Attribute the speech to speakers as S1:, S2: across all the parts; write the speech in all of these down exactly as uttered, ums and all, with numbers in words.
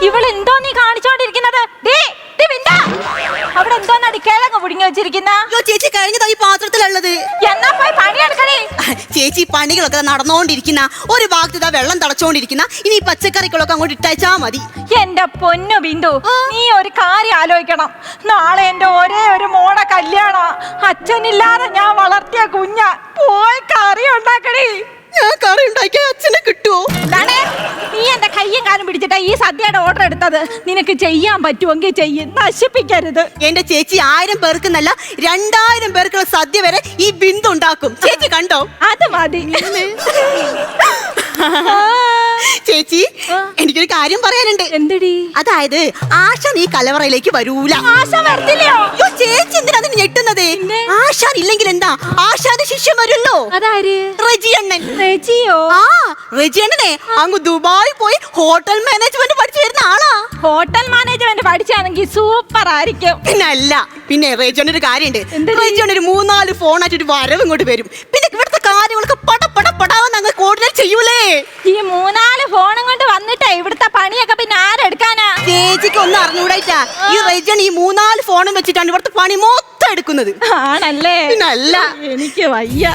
S1: ഇവളെന്തോ നീ കാണിച്ചോണ്ടിരിക്കുന്നത്? അവിടെ എന്തോന്നാടി കിഴങ്ങ് പുടിങ്ങി വെച്ചിരിക്കുന്ന?
S2: ചേച്ചി കഴിഞ്ഞതാ ഈ പാത്രത്തിലുള്ളത്.
S1: എന്നാ പോയി പണിയെടുക്കണേ.
S2: ചേച്ചി പണികളൊക്കെ നടന്നുകൊണ്ടിരിക്കുന്ന ഒരു ഭാഗത്ത് വെള്ളം തളച്ചോണ്ടിരിക്കുന്ന ഇനി പച്ചക്കറികളൊക്കെ അങ്ങോട്ട് ഇട്ടയച്ചാ മതി.
S1: എന്റെ പൊന്നു ബിന്ദു, നീ ഒരു കാര്യം ആലോചിക്കണം. നാളെ എന്റെ ഒരേ ഒരു മോടെ കല്യാണം. അച്ഛനില്ലാതെ ഞാൻ വളർത്തിയ കുഞ്ഞ. പോയി കറി ഉണ്ടാക്കണേ.
S2: ഞാൻ കറി ഉണ്ടാക്കിയ അച്ഛനെ കിട്ടുമോ?
S1: നീ എന്റെ കയ്യും കാലും പിടിച്ചിട്ടാ ഈ സദ്യയുടെ ഓർഡർ എടുത്തത്. നിനക്ക് ചെയ്യാൻ പറ്റുമെങ്കിൽ ചെയ്യും, നശിപ്പിക്കരുത്.
S2: എന്റെ ചേച്ചി ആയിരം പേർക്കെന്നല്ല രണ്ടായിരം പേർക്കുള്ള സദ്യ വരെ ഈ ബിന്ദു ഉണ്ടാക്കും. ചേച്ചി കണ്ടോ?
S1: അത് മതി.
S2: ചേച്ചി, എനിക്കൊരു കാര്യം പറയാനുണ്ട്.
S1: എന്തടി?
S2: അതായത് ആശ നീ കലവറയിലേക്ക് വരൂല.
S1: ആശ വരത്തില്ലയോ?
S2: ചേച്ചി എന്തിനാ അതിന് ഞെട്ടുന്നത്? ആശാൻ ഇല്ലെങ്കിൽ എന്താ, ആശാന്റെ ശിഷ്യം വരുമല്ലോ.
S1: അതാര്?
S2: റെജിയണ്ണൻ.
S1: റെജിയോ?
S2: ആ, റെജിയണ്ണനെ അങ്ങ് ദുബായി പോയി ഹോട്ടൽ മാനേജ്മെന്റ് പഠിച്ചു വരുന്ന ആളാ.
S1: ഹോട്ടൽ മാനേജ്മെന്റ് പഠിച്ചാണെങ്കിൽ സൂപ്പർ ആയിരിക്കും.
S2: പിന്നെ അല്ല, പിന്നെ റെജിയണ്ണ ഒരു കാര്യമുണ്ട്. റെജിയണ്ണ ഒരു മൂന്നാല് ഫോണായിട്ട് ഒരു വരവ് ഇങ്ങോട്ട് വരും. പിന്നെ ഇവിടുത്തെ കാര്യങ്ങളൊക്കെ പട പട പടാവെന്ന് അങ്ങ് കോർഡിനേറ്റ് ചെയ്യൂലേ.
S1: ഈ മൂന്നാല് ഫോണും കൊണ്ട് വന്നിട്ടേ ഇവിടുത്തെ പണിയൊക്കെ പിന്നെ ആരെടുക്കാനാ?
S2: ചേച്ചിക്ക് ഒന്നും അറിഞ്ഞൂടായിട്ടാ. ഈ റെജിയണ്ണ ഈ മൂന്നാല് ഫോണും വെച്ചിട്ടാണ് ഇവിടുത്തെ പണി മൊത്തം എടുക്കുന്നത്.
S1: ആണല്ലേ?
S2: പിന്നെ അല്ല,
S1: എനിക്ക് വയ്യ.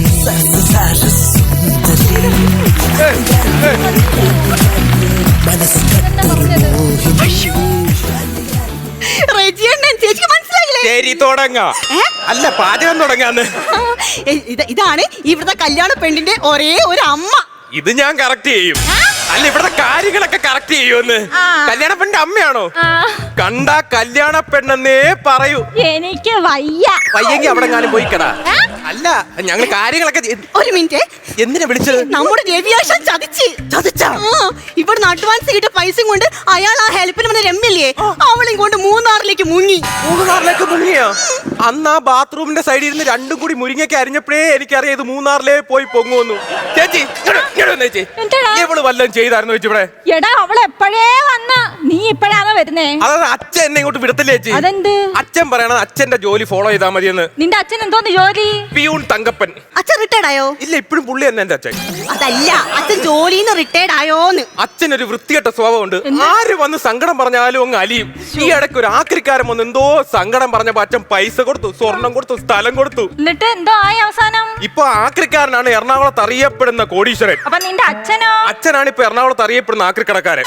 S2: റെജിയണ്ണൻ ചേച്ചിക്ക് മനസ്സിലായില്ലേ?
S3: ശരി, തുടങ്ങാ. അല്ല, പാചകം തുടങ്ങാന്ന്.
S2: ഇതാണ് ഇവിടുത്തെ കല്യാണ പെണ്ണിന്റെ ഒരേ ഒരു അമ്മ.
S3: ഇത് ഞാൻ കറക്റ്റ് ചെയ്യും. അല്ല, ഇവിടുത്തെ കാര്യങ്ങളൊക്കെ കറക്റ്റ് ചെയ്യുമെന്ന്. കല്യാണ പെണ്ണിന്റെ അമ്മയാണോ? കണ്ട കല്യാണ പെണ്ണെന്നേ പറയൂ.
S1: എനിക്ക് വയ്യ.
S3: വയ്യെങ്കി അവിടെ ഞാനും പോയിക്കടാ. അല്ല, ഞങ്ങൾ കാര്യങ്ങളൊക്കെ.
S2: ഒരു മിനിറ്റ്,
S3: എന്തിനാ വിളിച്ചത്?
S2: നമ്മുടെ രവിയാശൻ ചതിച്ച്
S3: ചതിച്ചാ?
S2: ഇവിടുന്ന് അഡ്വാൻസ് കിട്ടിയ പൈസയും കൊണ്ട് അയാൾ ആ ഹെൽപ്പിന് വന്ന രമ്യല്ലേ, അവളെയും കൊണ്ട് മൂന്നാറിലേക്ക് മുങ്ങി.
S3: മൂന്നാറിലേക്ക് മുങ്ങിയോ? അന്ന് ആ ബാത്റൂമിന്റെ സൈഡിൽ ഇരുന്ന് രണ്ടും കൂടി മുരിങ്ങയ്ക്ക് അരിഞ്ഞപ്പോഴേ എനിക്കറിയാം ഇത് മൂന്നാറിലേ പോയി പൊങ്ങുന്നു. ചേച്ചി, ചേച്ചി ഇവള് വല്ലതും ചെയ്തായിരുന്നു ചേച്ചി ഇവിടെ?
S1: എടാ, അവള് എപ്പോഴേ വന്ന, നീ ഇപ്പഴാണോ വരുന്നേ?
S3: അതായത് അച്ഛൻ എന്നെ ഇങ്ങോട്ട് വിടത്തില്ലേ ചേച്ചി?
S1: അതെന്ത്?
S3: അച്ഛൻ പറയണത് അച്ഛന്റെ ജോലി ഫോളോ ചെയ്താൽ മതിയെന്ന്.
S1: നിന്റെ അച്ഛൻ എന്തോന്ന് ജോലി?
S3: പിയൂൺ തങ്കപ്പൻ.
S2: അച്ഛൻ റിട്ടയർഡ് ആയോ?
S3: ഇല്ല, ഇപ്പോഴും പുള്ളി തന്നെ എന്റെ അച്ഛൻ.
S2: അതല്ല, അച്ഛൻ ജോലിന്ന് റിട്ടയർഡ് ആയോന്ന്.
S3: അച്ഛനൊരു വൃത്തികെട്ട സ്വഭാവമുണ്ട്. ആര് വന്ന് സങ്കടം പറഞ്ഞാലും അങ്ങ് അലിയും. ഈ ഇടയ്ക്ക് ഒരു ആക്രിക്കാരൻ വന്ന് എന്തോ സങ്കടം പറഞ്ഞപ്പോ അച്ഛൻ പൈസ കൊടുത്തു, സ്വർണം കൊടുത്തു, സ്ഥലം കൊടുത്തു.
S1: എന്നിട്ട് എന്തോ ആയി അവസാനം?
S3: ഇപ്പൊ ആക്രിക്കാരനാണ് എറണാകുളത്ത് അറിയപ്പെടുന്ന കോടീശ്വരൻ.
S1: അപ്പൊ നിന്റെ അച്ഛനോ?
S3: അച്ഛനാണ് ഇപ്പൊ എറണാകുളത്ത് അറിയപ്പെടുന്ന ആക്രിക്കടക്കാരൻ.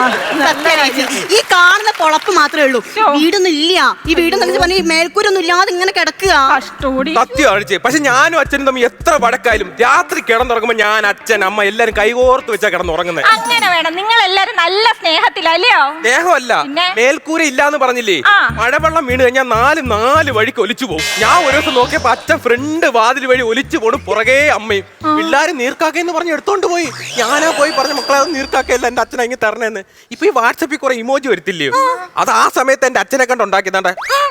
S2: ഈ കാണുന്ന പൊളപ്പ് മാത്രമേ ഉള്ളൂ, വീടൊന്നും ഇല്ല. ഈ വീടെന്ന് പറഞ്ഞ മേൽക്കൂരൊന്നും ഇല്ലാതെ ഇങ്ങനെ കിടക്കുക.
S3: സത്യം അഴിച്ചേ. പക്ഷെ ഞാനും അച്ഛനും തമ്മിൽ എത്ര വടക്കായാലും രാത്രി കിടന്നുറങ്ങുമ്പോ ഞാൻ, അച്ഛൻ, അമ്മ എല്ലാരും കൈകോർത്ത് വെച്ചാ കിടന്നുറങ്ങുന്നത്.
S1: അങ്ങനെ വേണം. നിങ്ങൾ എല്ലാരും നല്ല സ്നേഹത്തിലല്ലയോ?
S3: സ്നേഹമല്ല, മേൽക്കൂര ഇല്ലാന്ന് പറഞ്ഞില്ലേ? മഴവെള്ളം വീണ് കഴിഞ്ഞാൽ നാല് നാല് വഴിക്ക് ഒലിച്ചു പോകും. ഞാൻ ഒരു ദിവസം നോക്കിയപ്പോ അച്ഛൻ ഫ്രണ്ട് വാതിൽ വഴി ഒലിച്ചു പോണു, പുറകെ അമ്മയും. പിള്ളേര് നീർക്കാക്കെന്ന് പറഞ്ഞ് എടുത്തോണ്ട് പോയി. ഞാനാ പോയി പറഞ്ഞ മക്കളെ അത് നീർക്കാക്കയല്ല, എന്റെ അച്ഛൻ അങ്ങ് തരണേന്ന്. ഇപ്പൊ ഈ വാട്സപ്പിൽ കുറെ ഇമോജി വരത്തില്ലയോ? അത് ആ സമയത്ത് എന്റെ അച്ഛനെ കണ്ട് ഉണ്ടാക്കിയതാണ്ട.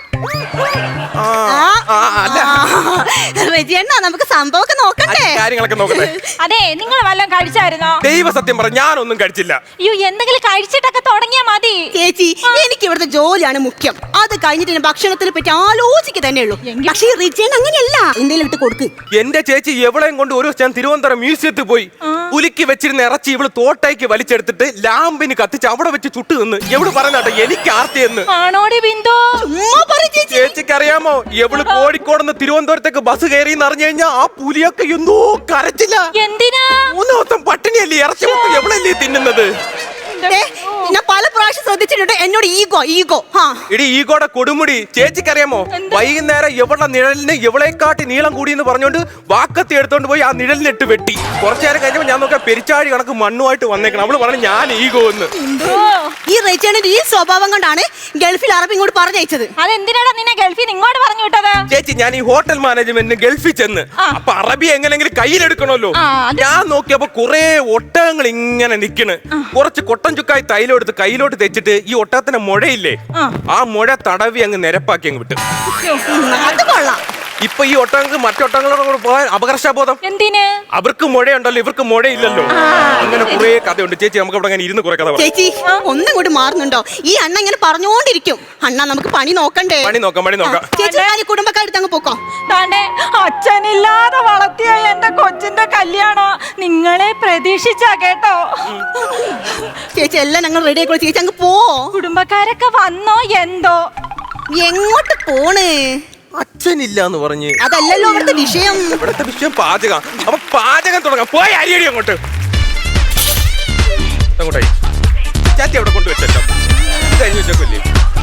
S2: നമുക്ക് സംഭവമൊക്കെ നോക്കണ്ടേ?
S3: കാര്യങ്ങളൊക്കെ നോക്കട്ടെ.
S1: അതെ, നിങ്ങൾ വല്ലതും കഴിച്ചായിരുന്നോ?
S3: ദൈവ സത്യം പറ, ഞാനൊന്നും കഴിച്ചില്ല.
S1: അയ്യോ, എന്തെങ്കിലും കഴിച്ചിട്ടൊക്കെ തുടങ്ങിയാ മതി.
S2: ചേച്ചി, എനിക്ക് ഇവിടുത്തെ ജോലിയാണ് മുഖ്യം. അത് കഴിഞ്ഞിട്ട് ഭക്ഷണത്തിനെ പറ്റി ആലോചിക്കുക തന്നെ ഉള്ളൂ. പക്ഷേ റിജൻ അങ്ങനെയല്ല, എന്തെങ്കിലും ഇട്ട് കൊടുക്ക്.
S3: എന്റെ ചേച്ചി എവളെയും കൊണ്ട് ഒരു ഞാൻ തിരുവനന്തപുരം മ്യൂസിയത്തിൽ പോയി. പുലിക്ക് വെച്ചിരുന്ന ഇറച്ചി ഇവള് തോട്ടയ്ക്ക് വലിച്ചെടുത്തിട്ട് ലാമ്പിന് കത്തിച്ച് അവിടെ വെച്ച് ചുട്ടു നിന്ന്. എവള് പറഞ്ഞാട്ടെ എനിക്ക് ആർത്തിയെന്ന്. ചേച്ചിക്ക് അറിയാമോ, എവള് കോഴിക്കോട് തിരുവനന്തപുരത്തേക്ക് ബസ് കയറി അറിഞ്ഞു കഴിഞ്ഞാൽ ആ പുലിയൊക്കെ എന്തോ കരച്ചില്ല.
S1: എന്തിനാ?
S3: മൂന്ന് ദിവസം പട്ടിണിയല്ലേ, ഇറച്ചി എവളല്ലേ തിന്നുന്നത്?
S2: ഞാൻ പല പ്രാവശ്യം ശ്രദ്ധിച്ചിട്ടുണ്ട് എന്നോട് ഈഗോ ഈഗോ
S3: ഇടി ഈഗോടെ കൊടുമുടി. ചേച്ചിക്കറിയാമോ, വൈകുന്നേരം എവളുടെ നിഴലിന് എവളെക്കാട്ടി നീളം കൂടിയെന്ന് പറഞ്ഞോണ്ട് വാക്കത്തി എടുത്തോണ്ട് പോയി ആ നിഴലിനിട്ട് വെട്ടി. കുറച്ചു നേരം കഴിഞ്ഞപ്പോ ഞാൻ നോക്കിയാൽ പെരിച്ചാഴി കണക്ക് മണ്ണുമായിട്ട് വന്നേക്കണം. അവള് പറഞ്ഞു ഞാൻ ഈഗോ എന്ന്.
S2: ഈ റേച്ചേണിന്റെ ഈ സ്വഭാവം കൊണ്ടാണ് ഗൾഫിൽ അറബ് ഇങ്ങോട്ട് പറഞ്ഞയച്ചത്.
S1: അതെന്തിനാണ് നിന്നെ ഗൾഫിൽ ഇങ്ങോട്ട് പറഞ്ഞു വിട്ടത്?
S3: ചേച്ചി, ഞാൻ ഈ ഹോട്ടൽ മാനേജ്മെന്റിന് ഗൾഫിൽ ചെന്ന് അപ്പൊ അറബി എങ്ങനെങ്കിലും കയ്യിലെടുക്കണമല്ലോ. ഞാൻ നോക്കിയപ്പോ കുറെ ഒട്ടകങ്ങൾ ഇങ്ങനെ നിക്കണ്. കുറച്ച് കൊട്ടൻ ചുക്കായി തൈലം എടുത്ത് കയ്യിലോട്ട് തെച്ചിട്ട് ഈ ഒട്ടകത്തിന്റെ മുഴയില്ലേ, ആ മുഴ തടവി അങ്ങ് നിരപ്പാക്കി അങ്ങ് വിട്ടു. ഇപ്പൊ ഈ ഒട്ടകങ്ങൾക്ക് മറ്റൊട്ടങ്ങളോട് കൂടെ പോകാൻ അപകർഷബോധം.
S1: എന്തിന്?
S3: അവർക്ക് മുഴയുണ്ടല്ലോ, ഇവർക്ക് മുഴയില്ലല്ലോ. അങ്ങനെ കുറെ കഥയുണ്ട് ചേച്ചി. നമുക്ക് ഇവിടെ അങ്ങനെ ഇരുന്ന് കുറെ കഥ പറയാം.
S2: ചേച്ചി ഒന്നും കൂടി മാറുന്നുണ്ടോ? ഈ അണ്ണ ഇങ്ങനെ പറഞ്ഞോണ്ടിരിക്കും. അണ്ണ നമുക്ക് പണി നോക്കണ്ടേ?
S3: പണി നോക്കാം, പണി നോക്കാം.
S2: ചേച്ചി ഞാൻ ഈ കുടുംബക്കാരെടുത്ത് അങ്ങ് പോക്കോ.
S1: താണ്ടെ അച്ഛനില്ലാതെ വളർത്തിയ എന്റെ കൊച്ചിന്റെ കല്യാണം നിങ്ങളെ പ്രതീക്ഷിച്ചാ കേട്ടോ.
S2: ചേച്ചി എല്ലാം ഞങ്ങൾ റെഡി ആയിക്കോളൂ. ചേച്ചി അങ്ങ് പോ.
S1: കുടുംബക്കാരൊക്കെ വന്നോ എന്തോ?
S2: എങ്ങോട്ട് പോണ്?
S3: അച്ഛനില്ല എന്ന് പറഞ്ഞ്.
S2: അതല്ലല്ലോ ഇവിടുത്തെ വിഷയം.
S3: ഇവിടുത്തെ വിഷയം പാചകം. അപ്പൊ പാചകം തുടങ്ങാം. പോയി അരിയടി അങ്ങോട്ട്. അങ്ങോട്ടായി ചാത്തി അവിടെ കൊണ്ടുവച്ചല്ലോ. ഇത് കഴിഞ്ഞ് വെച്ചേക്കല്ലേ.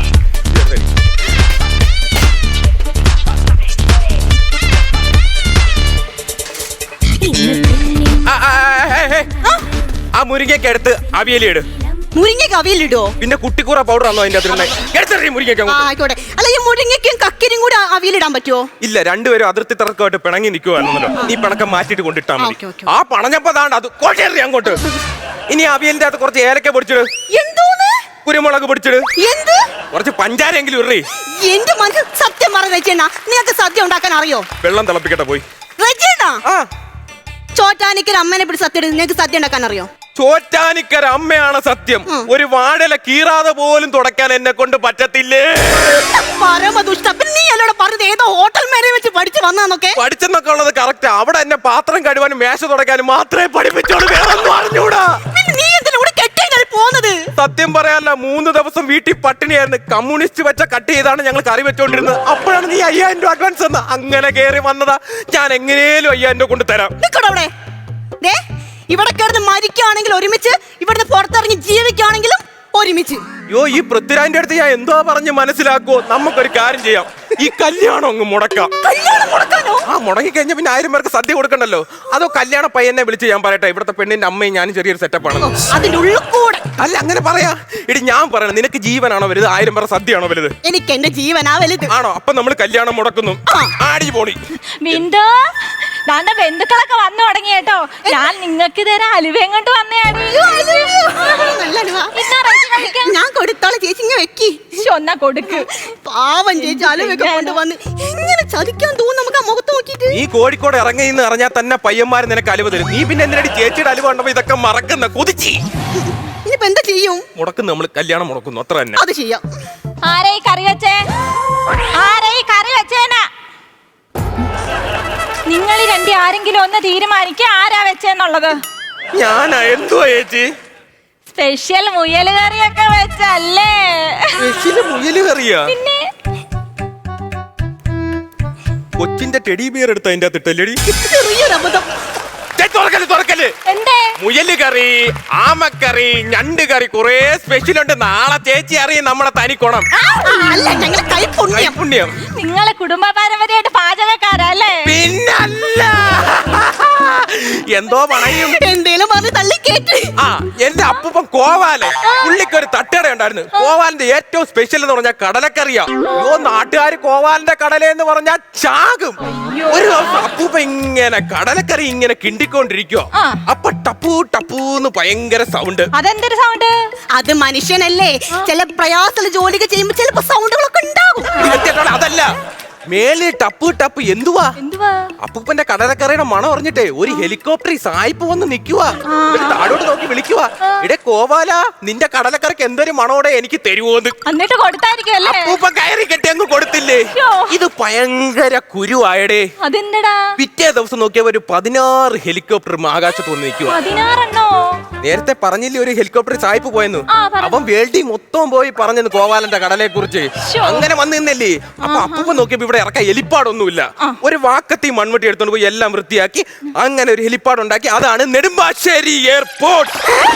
S3: ആ മുരിങ്ങയ്ക്ക് എടുത്ത് അവിയലിട്.
S2: മുരിങ്ങയ്ക്ക് അവിയലിടോ?
S3: പിന്നെ കുട്ടിക്കൂറ പൗഡർ ആണോ അതിന്റെ അകത്ത്? മുരിങ്ങയ്ക്ക്
S2: ആയിക്കോട്ടെ. അല്ല ഈ മുരിങ്ങയ്ക്കും കക്കിനും കൂടെ അവിയലിടാൻ പറ്റുമോ?
S3: ഇല്ല, രണ്ടുപേരും അതിർത്തി തർക്കമായിട്ട് പിണങ്ങി നിൽക്കുവാണല്ലോ. നീ പിണക്കം മാറ്റിട്ട് കൊണ്ടിട്ടാ മതി. ആ പണഞ്ഞപ്പോ താണ്ട് അത് കൊഴേറി അങ്ങോട്ട്. ഇനി അവിയലിന്റെ അകത്ത് കുറച്ച് ഏലക്ക പൊടിച്ചിട്.
S2: എന്തോന്ന്?
S3: കുരുമുളക് പൊടിച്ചിട്.
S2: എന്ത്?
S3: കുറച്ച് പഞ്ചാരെങ്കിലും ഇറി.
S2: എന്റെ മനസ്സിൽ സത്യം പറഞ്ഞ രചന, നിനക്ക് സദ്യ ഉണ്ടാക്കാൻ അറിയോ?
S3: വെള്ളം തിളപ്പിക്കട്ടെ പോയി.
S2: രചന
S3: ആ
S2: ചോറ്റാനിക്കൽ അമ്മനെ പിടിച്ച് സത്യം നിനക്ക് സദ്യ ഉണ്ടാക്കാൻ അറിയോ?
S3: ചോറ്റാനിക്കര അമ്മയാണ് സത്യം. ഒരു വാഴല കീറാതെ പോലും തുടക്കാൻ എന്നെ കൊണ്ട് പറ്റത്തില്ലേ.
S2: പരമദുഷ്ട. നീ എന്നോട് പറഞ്ഞത് ഏതോ ഹോട്ടൽ മേലെ വെച്ച് പഠിച്ചു വന്നൊക്കെ?
S3: പഠിച്ചെന്നൊക്കെ ഉള്ളത് കറക്റ്റ്. അവിടെ എന്നെ പാത്രം കഴുകാനും മേശ തുടക്കാനും മാത്രമേ പഠിപ്പിച്ചോളൂ. വേറെ ഒന്നും അറിഞ്ഞൂടാ.
S2: നീ എന്തിനാ ഇവിടെ കെട്ടിയാൽ പോകുന്നത്?
S3: സത്യം പറയാനല്ല, മൂന്ന് ദിവസം വീട്ടിൽ പട്ടിണിയായിരുന്നു. കമ്മ്യൂണിസ്റ്റ് വെച്ച കട്ട് ചെയ്താണ് ഞങ്ങൾ കറി വെച്ചോണ്ടിരുന്നത്. അപ്പോഴാണ് നീ അയ്യായിരം രൂപ അഡ്വാൻസ് തന്ന. അങ്ങനെ കയറി വന്നതാ. ഞാൻ എങ്ങനെയും അയ്യായിരം രൂപ കൊണ്ട് തരാം.
S2: അവിടെ ഇവിടെ കിടന്ന് മരിക്കുകയാണെങ്കിൽ ഒരുമിച്ച്, ഇവിടുന്ന് പുറത്തിറങ്ങി ജീവിക്കുകയാണെങ്കിലും ഒരുമിച്ച്.
S3: യോ ഈ പൃഥ്വിരാജിന്റെ അടുത്ത് ഞാൻ എന്തോ പറഞ്ഞ് മനസ്സിലാക്കുവോ? നമുക്കൊരു കാര്യം ചെയ്യാം. ഈ കല്യാണം അങ്ങ് മുടക്കാം.
S2: കല്യാണം മുടക്കാനോ?
S3: ആ മുടങ്ങി കഴിഞ്ഞ പിന്നെ ആയിരം പേർക്ക് സദ്യ കൊടുക്കണ്ടല്ലോ. അതോ കല്യാണ പയ്യനെ വിളിച്ച് ഞാൻ പറയട്ടെ, ഇവിടുത്തെ പെണ്ണിന്റെ അമ്മയും ഞാനും ചെറിയൊരു സെറ്റപ്പ് ആണ്.
S2: അതിന്റെ ഉള്ളിൽ കൂടെ
S3: അല്ല അങ്ങനെ പറയാ. ഇടി ഞാൻ പറയണം, നിനക്ക് ജീവനാണോ വലുത്, ആയിരം പേർ സദ്യയാണോ വലുത്?
S2: എനിക്ക് എന്റെ ജീവനാ വലുത്.
S3: ആണോ? അപ്പൊ നമ്മൾ കല്യാണം മുടക്കുന്നു. ആടി പോണി.
S1: ബിന്ദു, ദാണ്ട ബന്ധുക്കളൊക്കെ വന്നു തുടങ്ങി കേട്ടോ. ഞാൻ നിങ്ങൾക്ക് തരാം അലുവയും കൊണ്ട് വന്നയാണ്.
S2: ഞാൻ കൊടുത്തോളെ ചേച്ചി, ഇങ്ങനെ വെക്കി.
S1: ഒന്നാ കൊടുക്ക്.
S2: പാവം ചേച്ചി അലുവയൊക്കെ കൊണ്ടുവന്ന് എങ്ങനെ ചതിക്കാൻ തോന്നും നമുക്ക് ആ മുഖത്ത് നോക്കിട്ട്.
S3: നീ കോഴിക്കോട് ഇറങ്ങിന്ന് അറിഞ്ഞാൽ തന്നെ പയ്യന്മാര് നിനക്ക് അലുവ തരും. നീ പിന്നെ എന്തിനടി ചേച്ചിയുടെ അലുവ കണ്ടപ്പോ ഇതൊക്കെ മറക്കുന്ന കൊതിച്ചി.
S2: ഇനിയിപ്പോ എന്താ ചെയ്യും?
S3: മുടക്കുന്നു, നമ്മൾ കല്യാണം മുടക്കുന്നു, അത്ര തന്നെ.
S2: അത് ചെയ്യാം.
S1: ആരായി കറി വെച്ചേ? ആരായി കറി വെച്ചേനാ? നിങ്ങൾ രണ്ടി ആരെങ്കിലും ഒന്ന് തീരുമാനിക്കുക ആരാ വെച്ചെന്നുള്ളത്.
S3: ഞാനാ? എന്തുവാ ചേച്ചി?
S1: സ്പെഷ്യൽ മുയൽ കറിയൊക്കെ വെച്ചല്ലേ?
S3: സ്പെഷ്യൽ മുയൽ കറിയാ?
S1: പിന്നെ
S3: കൊച്ചിന്റെ ടെഡി ബിയർ എടുത്ത അതിന്റെ അകത്ത് ഇട്ടല്ലേടി?
S2: ചെറിയൊരു അബദ്ധം.
S3: തുറക്കല് തുറക്കല്.
S1: എന്തേ?
S3: മുയല് കറി, ആമക്കറി, ഞണ്ട് കറി, കുറെ സ്പെഷ്യൽ ഉണ്ട്. നാളെ ചേച്ചി അറിയും നമ്മുടെ തനിക്കോണം.
S2: അല്ല ഞങ്ങളെ കൈപുണ്യം.
S3: പുണ്യം.
S1: നിങ്ങളെ കുടുംബ പാരമ്പര്യമായിട്ട് പാചകക്കാരല്ലേ?
S3: പിന്നല്ല. എന്തോ പണയും
S2: എന്തേലും പറഞ്ഞ് തള്ളി കേട്ട്.
S3: ആ എന്റെ അപ്പൂപ്പൻ കോവാലൻ, പുള്ളിക്ക് ഒരു തട്ടുകട ഉണ്ടായിരുന്നു. കോവാലിന്റെ ഏറ്റവും സ്പെഷ്യൽ എന്ന് പറഞ്ഞാൽ കടലക്കറിയാ. അയ്യോ നാട്ടുകാർ കോവാലിന്റെ കടല എന്ന് പറഞ്ഞാൽ ചാകും. ഒരു ദിവസം അപ്പൂപ്പ ഇങ്ങനെ കടലക്കറി ഇങ്ങനെ കിണ്ടിക്കൊണ്ടിരിക്കുവോ, അപ്പൊ ടപ്പൂ ടപ്പൂന്ന് ഭയങ്കര സൗണ്ട്.
S1: അതെന്തൊരു സൗണ്ട്?
S2: അത് മനുഷ്യനല്ലേ, ചില പ്രയാസമുള്ള ജോലികൾ ചെയ്യുമ്പോ ചിലപ്പോ സൗണ്ടുകളൊക്കെ ഉണ്ടാകും.
S3: അതല്ല, മേലെ ടപ്പ് ടപ്പ്. എന്തുവാ?
S1: എന്തുവാ?
S3: അപ്പൂപ്പന്റെ കടലക്കറിയുടെ മണം അറിഞ്ഞിട്ടേ ഒരു ഹെലികോപ്റ്റർ സായിപ്പ് വന്ന് നിക്കുവാ. താഴോട്ട് നോക്കി വിളിക്കുവാ, ഇടെ കോവാല നിന്റെ കടലക്കറിക്ക് എന്തൊരു മണോടെ എനിക്ക് തരുവോന്ന്.
S1: എന്നിട്ട് കൊടുത്തായിരിക്കും.
S3: അപ്പൂപ്പൻ കയറി കെട്ടി അങ്ങ് കൊടുത്തില്ലേ. ഇത് ഭയങ്കര കുരുവായടേ.
S1: അതെന്തടാ?
S3: പിറ്റേ ദിവസം നോക്കിയപ്പോ ഒരു പതിനാറ് ഹെലികോപ്റ്റർ ആകാശത്ത് വന്ന് നിൽക്കുക.
S1: പതിനാറെണ്ണോ?
S3: നേരത്തെ പറഞ്ഞില്ലേ ഒരു ഹെലികോപ്റ്റർ സായിപ്പ് പോയെന്ന്. അവൻ വേൾഡി മൊത്തം പോയി പറഞ്ഞെന്ന് കോവാലന്റെ കടലയെ കുറിച്ച്. അങ്ങനെ വന്നു നിന്നല്ലേ. അപ്പൊ അപ്പൂപ്പൻ നോക്കിയപ്പോ ഇവിടെ ഇറക്കാൻ ഹെലിപ്പാടൊന്നുമില്ല. ഒരു വാക്കത്തി മൺവെട്ടി എടുത്തോണ്ട് പോയി എല്ലാം വൃത്തിയാക്കി അങ്ങനെ ഒരു ഹെലിപ്പാഡ് ഉണ്ടാക്കി. അതാണ് നെടുമ്പാശ്ശേരി എയർപോർട്ട്.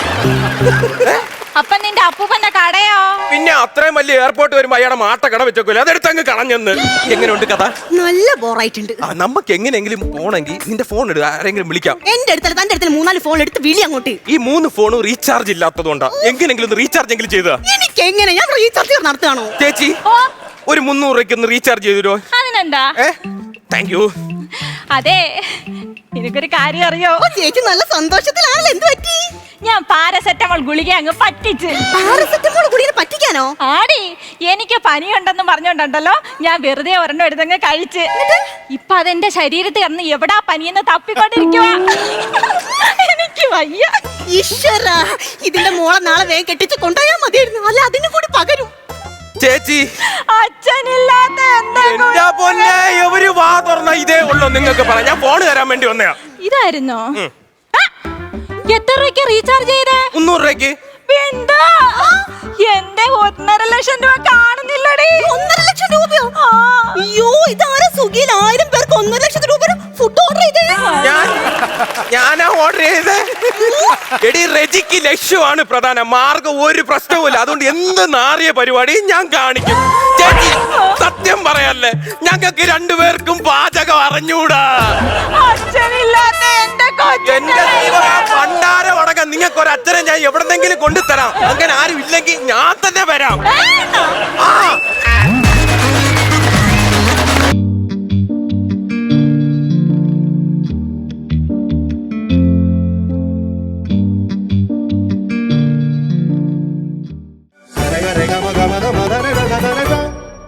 S1: അപ്പൊ നിന്റെ അപ്പൂപ്പന്റെ കടയോ?
S3: പിന്നെ അത്രയും വലിയ എയർപോർട്ട് വരുമ്പോ അയാളെ മാട്ട കട വെച്ചോല്ലോ, അതെടുത്ത് അങ്ങ് കളഞ്ഞെന്ന്. എങ്ങനെയുണ്ട് കഥ?
S2: നല്ല ബോറായിട്ടുണ്ട്.
S3: നമുക്ക് എങ്ങനെയെങ്കിലും പോണെങ്കിൽ നിന്റെ ഫോൺ എടുത്ത് ആരെങ്കിലും വിളിക്കാം.
S2: എന്റെ അടുത്തല്ല തന്റെ അടുത്ത് മൂന്നാല് ഫോൺ എടുത്ത് വിളി അങ്ങോട്ട്.
S3: ഈ മൂന്ന് ഫോണും റീചാർജ് ഇല്ലാത്തതുകൊണ്ടാ. എങ്ങനെയെങ്കിലും ഒന്ന് റീചാർജ് എങ്കിലും ചെയ്താ.
S2: എനിക്ക് എങ്ങനെ? ഞാൻ റീചാർജ് നടത്തുകയാണോ?
S3: ചേച്ചി ഒരു മുന്നൂറ് രൂപയ്ക്ക് ഒന്ന് റീചാർജ് ചെയ്തോ.
S1: അതിനെന്താ?
S3: Thank you.
S1: അതെ, എനിക്കൊരു കാര്യം അറിയോ?
S2: ചേച്ചി നല്ല സന്തോഷത്തിലാണല്ലോ. എന്ത് പറ്റി?
S1: ഞാൻ പാരസെറ്റമോൾ ഗുളിക അങ്ങ് പറ്റിച്ച്.
S2: പാരസെറ്റമോൾ ഗുളിക പറ്റിക്കാനോ?
S1: ആടി, എനിക്ക് പനിയുണ്ടെന്ന് പറഞ്ഞോണ്ടല്ലോ ഞാൻ വെറുതെ ഒരെണ്ണം എടുത്തങ്ങ് കഴിച്ച്. ഇപ്പൊ അതെന്റെ ശരീരത്തിൽ കിടന്ന് എവിടാ പനിയെന്ന് തപ്പിക്കൊണ്ടിരിക്കുവാ. എനിക്ക് വയ്യ.
S2: ഈശ്വര, ഇതിന്റെ മോളെ നാളെ വേഗം കെട്ടിച്ച് കൊണ്ടുപോയാൽ മതിയായിരുന്നു. അല്ല അതിന് കൂടി പകരും.
S3: ചേച്ചി,
S1: അച്ഛനില്ലാത്ത എന്താ
S3: എന്റെ പൊന്നെ, എവര് വാ തുറന്ന ഇതേ ഉള്ളൂ നിങ്ങൾക്ക് പറ. ഞാൻ ഫോൺ തരാൻ വേണ്ടി വന്നയാ.
S1: ഇതായിരുന്നോ? എത്ര രൂപയ്ക്ക് റീചാർജ് ചെയ്തേ?
S3: മുന്നൂറ് രൂപയ്ക്ക്.
S1: ബിന്ദു, എന്റെ ഒന്നര ലക്ഷം രൂപ കാണുന്നില്ലടി.
S2: ഒന്നര ലക്ഷം രൂപയോ? അയ്യോ, ഇതാരാ സുഖിയിൽ ആയിരം പേർക്ക് ഒന്നര ലക്ഷത്തി രൂപ ഫുഡ് ഓർഡർ ചെയ്തേ?
S3: ഞാൻ ഞാനാ ഓർഡർ ചെയ്തേ. എടി, റെജിക്ക് ലക്ഷ്യമാണ് പ്രധാനം, മാർഗം ഒരു പ്രശ്നവുമില്ല. അതുകൊണ്ട് എന്ത് നാറിയ പരിപാടി ഞാൻ കാണിക്കും. ചേച്ചി, സത്യം പറയല്ലേ, ഞങ്ങൾക്ക് രണ്ടുപേർക്കും പാചകം അറിഞ്ഞൂടാ.
S1: അച്ഛനില്ലാത്ത എന്റെ
S3: എന്റെ പണ്ടാരം അടക്കം നിങ്ങൾക്ക് ഒരു അച്ഛനെ ഞാൻ എവിടെന്നെങ്കിലും കൊണ്ടുതരാം. അങ്ങനെ ആരും ഇല്ലെങ്കിൽ ഞാൻ തന്നെ വരാം.